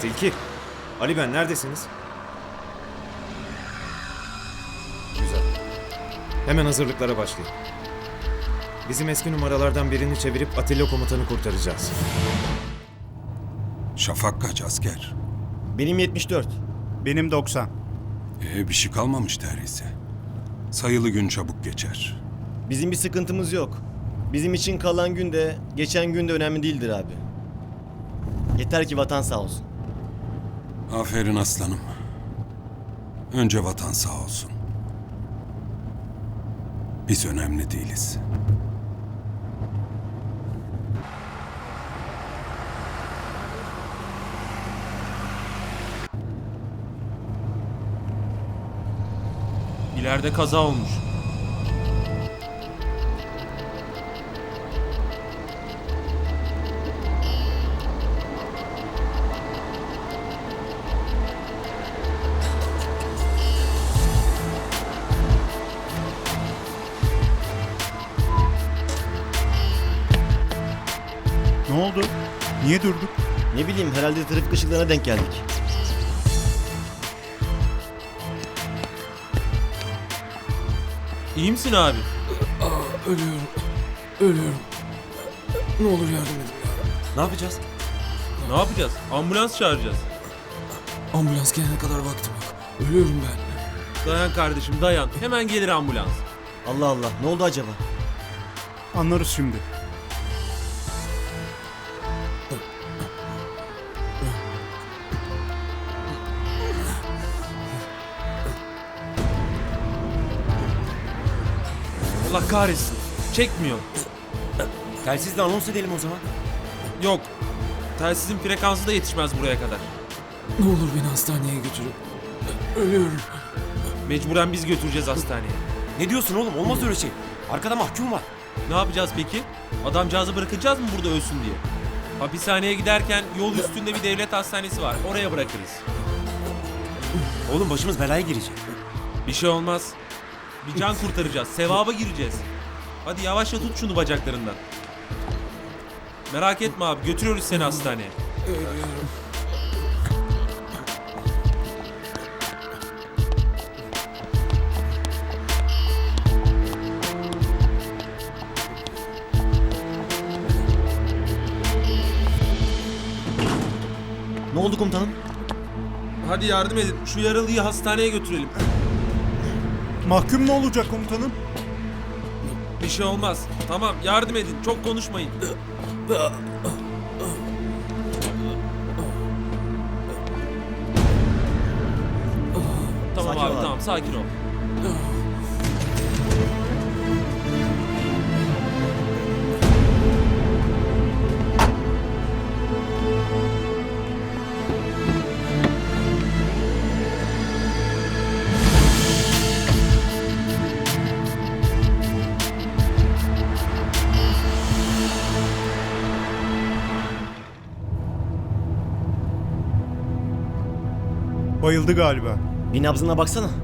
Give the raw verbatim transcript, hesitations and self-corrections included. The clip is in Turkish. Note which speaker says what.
Speaker 1: Tilki. Ali ben neredesiniz? Güzel. Hemen hazırlıklara başlayın. Bizim eski numaralardan birini çevirip Atilla komutanı kurtaracağız.
Speaker 2: Şafak kaç asker?
Speaker 3: Benim yetmiş dört.
Speaker 4: Benim doksan.
Speaker 2: Ee, bir şey kalmamış neredeyse. Sayılı gün çabuk geçer.
Speaker 3: Bizim bir sıkıntımız yok. Bizim için kalan gün de geçen gün de önemli değildir abi. Yeter ki vatan sağ olsun.
Speaker 2: Aferin aslanım. Önce vatan sağ olsun. Biz önemli değiliz.
Speaker 5: İleride kaza olmuş.
Speaker 4: Ne oldu? Niye durduk?
Speaker 3: Ne bileyim herhalde trafik ışıklarına denk geldik.
Speaker 5: İyi misin abi?
Speaker 6: Ölüyorum. Ölüyorum. Ne olur yardım edin ya.
Speaker 3: Ne yapacağız?
Speaker 5: Ne yapacağız? Ambulans çağıracağız.
Speaker 6: Ambulans gelene kadar vaktim yok. Ölüyorum ben.
Speaker 5: Dayan kardeşim dayan. Hemen gelir ambulans.
Speaker 3: Allah Allah ne oldu acaba?
Speaker 4: Anlarız şimdi.
Speaker 5: Allah kahretsin. Çekmiyor.
Speaker 3: Telsizle anons edelim o zaman.
Speaker 5: Yok. Telsizin frekansı da yetişmez buraya kadar.
Speaker 6: Ne olur beni hastaneye götürün. Ölüyorum.
Speaker 5: Mecburen biz götüreceğiz hastaneye.
Speaker 7: Ne diyorsun oğlum? Olmaz öyle şey. Arkada mahkum var.
Speaker 5: Ne yapacağız peki? Adamcağızı bırakacağız mı burada ölsün diye? Hapishaneye giderken yol üstünde bir devlet hastanesi var. Oraya bırakırız.
Speaker 7: Oğlum başımız belaya girecek.
Speaker 5: Bir şey olmaz. Bir can kurtaracağız. Sevaba gireceğiz. Hadi yavaşça tut şunu bacaklarından. Merak etme abi. Götürüyoruz seni hastaneye.
Speaker 6: Ölüyorum.
Speaker 3: Ne oldu komutanım?
Speaker 5: Hadi yardım edin. Şu yaralıyı hastaneye götürelim.
Speaker 4: Mahkum ne olacak komutanım?
Speaker 5: Bir şey olmaz. Tamam yardım edin. Çok konuşmayın. Tamam
Speaker 3: Sakin
Speaker 5: abi
Speaker 3: ol abi.
Speaker 5: tamam sakin ol.
Speaker 4: Bayıldı galiba.
Speaker 3: Bir nabzına baksana.